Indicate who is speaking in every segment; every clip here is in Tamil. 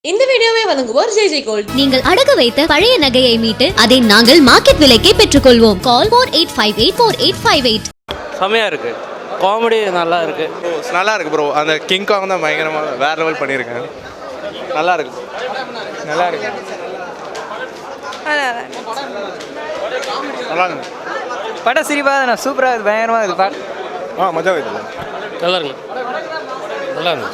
Speaker 1: இந்த வீடியோவை வழங்குவோர் ஜெய் ஜெய் கோல்ட்.
Speaker 2: நீங்கள் அடகு வைத்த பழைய நகையை மீட்டு அதை நாங்கள் மார்க்கெட் விலைக்கே பெற்றுக்கொள்வோம். கால் 48584858.
Speaker 3: செமையா இருக்கு, காமெடி நல்லா இருக்கு,
Speaker 4: நல்லா இருக்கு ப்ரோ. அந்த கிங் காங் தான் பயங்கரமாக வேற லெவல் பண்ணியிருக்காங்க. நல்லா இருக்கு, நல்லா இருக்கு, நல்லா இருக்கு.
Speaker 5: படம் சிரிப்பாக தான், சூப்பராக இருக்குது, பயங்கரமாக இருக்குது படம்.
Speaker 4: மஜா வைத்து
Speaker 3: நல்லா இருக்கு, நல்லா இருக்கு.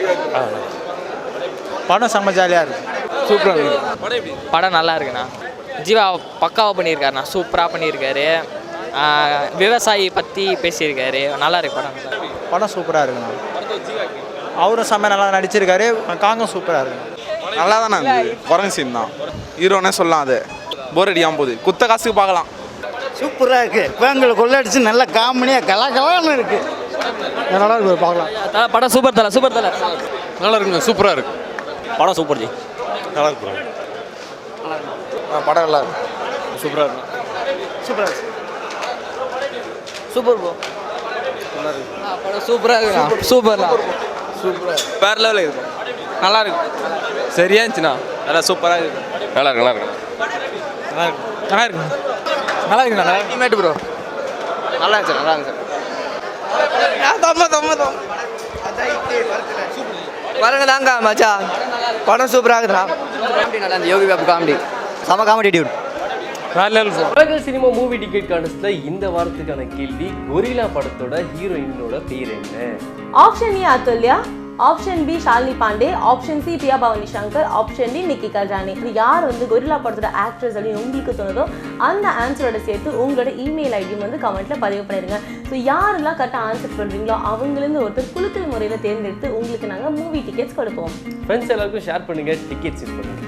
Speaker 4: படம் செம்ம ஜாலியாக இருக்கு, சூப்பராக இருக்கு.
Speaker 5: படம் நல்லா இருக்குண்ணா. ஜீவா பக்காவாக பண்ணியிருக்காருண்ணா, சூப்பராக பண்ணியிருக்காரு. விவசாயி பற்றி பேசியிருக்காரு, நல்லா இருக்கு படம்.
Speaker 6: படம் சூப்பராக இருக்குண்ணா. அவரும் செம்ம நல்லா நடிச்சிருக்காரு. காங்கும் சூப்பராக இருக்கு,
Speaker 4: நல்லா தானே இருந்தது. குரங்கு சீன் தான் ஹீரோனே சொல்லலாம். அது போர் அடிக்காமல் போகுது, குத்த காசுக்கு பார்க்கலாம்.
Speaker 6: சூப்பராக இருக்குது. பேங்களை கொள்ளடிச்சு நல்ல காமெடியாக கலாகலான்னு இருக்குது. நல்லா இருக்கு, பார்க்கலாம்.
Speaker 5: படம் சூப்பர் தலை, சூப்பர் தலை.
Speaker 4: நல்லா இருக்குங்க, சூப்பராக இருக்கு.
Speaker 3: படம் சூப்பர் ஜி,
Speaker 4: நல்லா இருக்கு. படம் நல்லா இருக்கு, சூப்பராக இருக்கு,
Speaker 6: சூப்பராக இருக்கு.
Speaker 5: சூப்பர் ப்ரோ, படம் சூப்பராக இருக்குண்ணா, சூப்பர்ண்ணா,
Speaker 4: சூப்பராக வேறு லெவலில் இருக்கும். நல்லா இருக்கு, சரியா இருந்துச்சுண்ணா. நல்லா சூப்பராக இருக்கு, நல்லா இருக்கு, நல்லா இருக்கு, நல்லா இருக்கு, நல்லா இருக்கு, நல்லா இருக்குண்ணா. நல்லா இருக்கு ப்ரோ, நல்லா இருந்துச்சு, நல்லா இருந்துச்சு.
Speaker 5: வரங்க தாங்க மச்சா, படம் சூப்பராக இருக்குண்ணா. நல்லா இருந்துச்சு, யோகி பாபு காமெடி செம காமெடி டியூட்.
Speaker 7: உலக சினிமா மூவி டிக்கெட் கான்டெஸ்ட்ல இந்த வாரத்துக்கான கேள்வி, கொரில்லா படத்தோட ஹீரோயினோட பேர் என்ன?
Speaker 1: Option A Athulya, option B Shalini Pandey, option C Priya Bhavani Shankar, option D Nikki Galrani. இது யார் கொரில்லா படத்தோட ஆக்ட்ரஸ் அப்படின்னு உங்களுக்கு தோணுதோ அந்த ஆன்சரோட சேர்த்து உங்களோட இமெயில் ஐடியும் கமெண்ட்ல பதிவு பண்ணிடுங்க. ஸோ யாரெல்லாம் கரெக்டாக ஆன்சர் பண்ணுறீங்களோ அவங்களிருந்து ஒருத்தர் குலுக்கல் முறையில் தேர்ந்தெடுத்து உங்களுக்கு நாங்கள் மூவி டிக்கெட்ஸ் கொடுப்போம்.
Speaker 7: ஃப்ரெண்ட்ஸ் எல்லாருக்கும் ஷேர் பண்ணுங்க, டிக்கெட்ஸ் பண்ணுங்க.